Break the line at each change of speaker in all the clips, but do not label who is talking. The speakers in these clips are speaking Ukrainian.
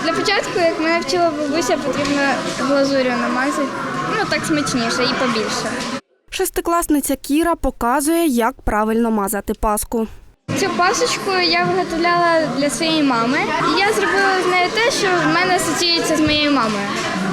Для початку, як мене вчила бабуся, потрібно глазур'ю намазати. Так смачніше і побільше.
Шестикласниця Кіра показує, як правильно мазати паску.
Цю пасочку я виготовляла для своєї мами. І я зробила з нею те, що в мене асоціюється з моєю мамою.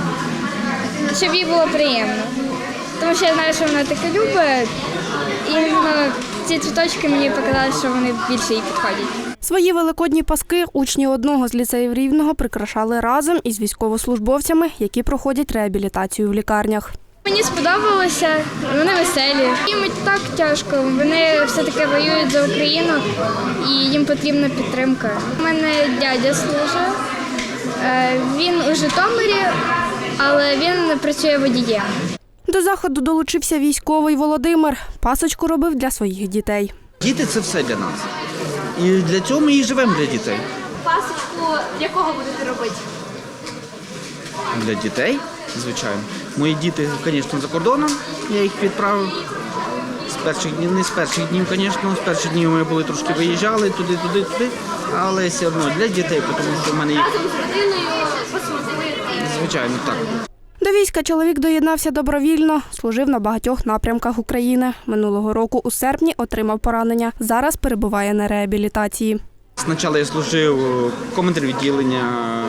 Щоб їй було приємно. Тому що я знаю, що вона таке любить. І ці цвіточки мені показали, що вони більше їй підходять.
Свої великодні паски учні одного з ліцеїв Рівного прикрашали разом із військовослужбовцями, які проходять реабілітацію в лікарнях.
Мені сподобалося, вони веселі. Їм так тяжко, вони все-таки воюють за Україну і їм потрібна підтримка. У мене дядя служить, він у Житомирі, але він працює водієм.
До заходу долучився військовий Володимир. Пасочку робив для своїх дітей.
Діти – це все для нас. І для цього ми і живемо для дітей.
Пасочку для кого будете робити?
Для дітей, звичайно. Мої діти, звісно, за кордоном. Я їх відправив. З перших днів, не з перших днів, звісно. З перших днів ми були трошки виїжджали туди. Але все одно для дітей, тому що в мене їх...
Разом з родиною посвятили?
Звичайно, так.
До війська чоловік доєднався добровільно, служив на багатьох напрямках України. Минулого року у серпні отримав поранення. Зараз перебуває на реабілітації.
Спочатку я служив командир відділення,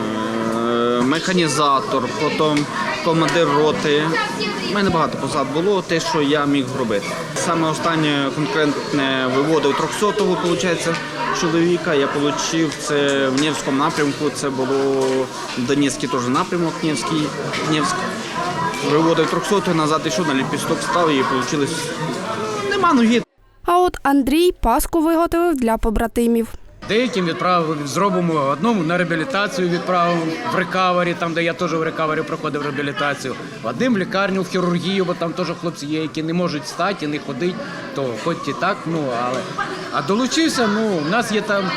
механізатор, потім командир роти. У мене багато посад було, те, що я міг зробити. Саме останнє конкретне виводив 300-го, виходить, чоловіка. Я отримав це в Невському напрямку, це було Донецький теж напрямок, Невськ. Виводив 300-го, назад йшов, на ліпісток став і вийшло. Нема ноги.
А от Андрій паску виготовив для побратимів.
Деяким відправив, зробимо одному на реабілітацію відправив в рекавері, там, де я теж в рекавері проходив реабілітацію. Одним в лікарню, в хірургію, бо там теж хлопці є, які не можуть встати і не ходити, то хоч і так, але... А долучився, в нас є там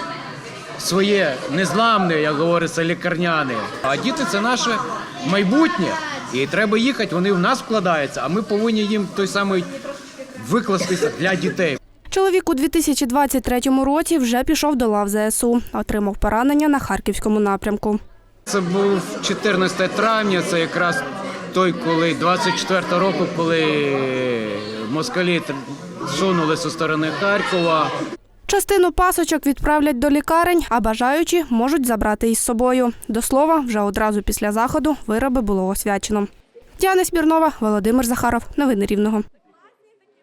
своє незламне, як говориться, лікарняне. А діти – це наше майбутнє, і треба їхати, вони в нас вкладаються, а ми повинні їм той самий викластися для дітей.
Чоловік у 2023 році вже пішов до лав ЗСУ. Отримав поранення на Харківському напрямку.
Це був 14 травня, це якраз той, коли 24 року, коли москалі сунули зі сторони Харкова.
Частину пасочок відправлять до лікарень, а бажаючі можуть забрати із собою. До слова, вже одразу після заходу вироби було освячено. Діана Смірнова, Володимир Захаров. Новини Рівного.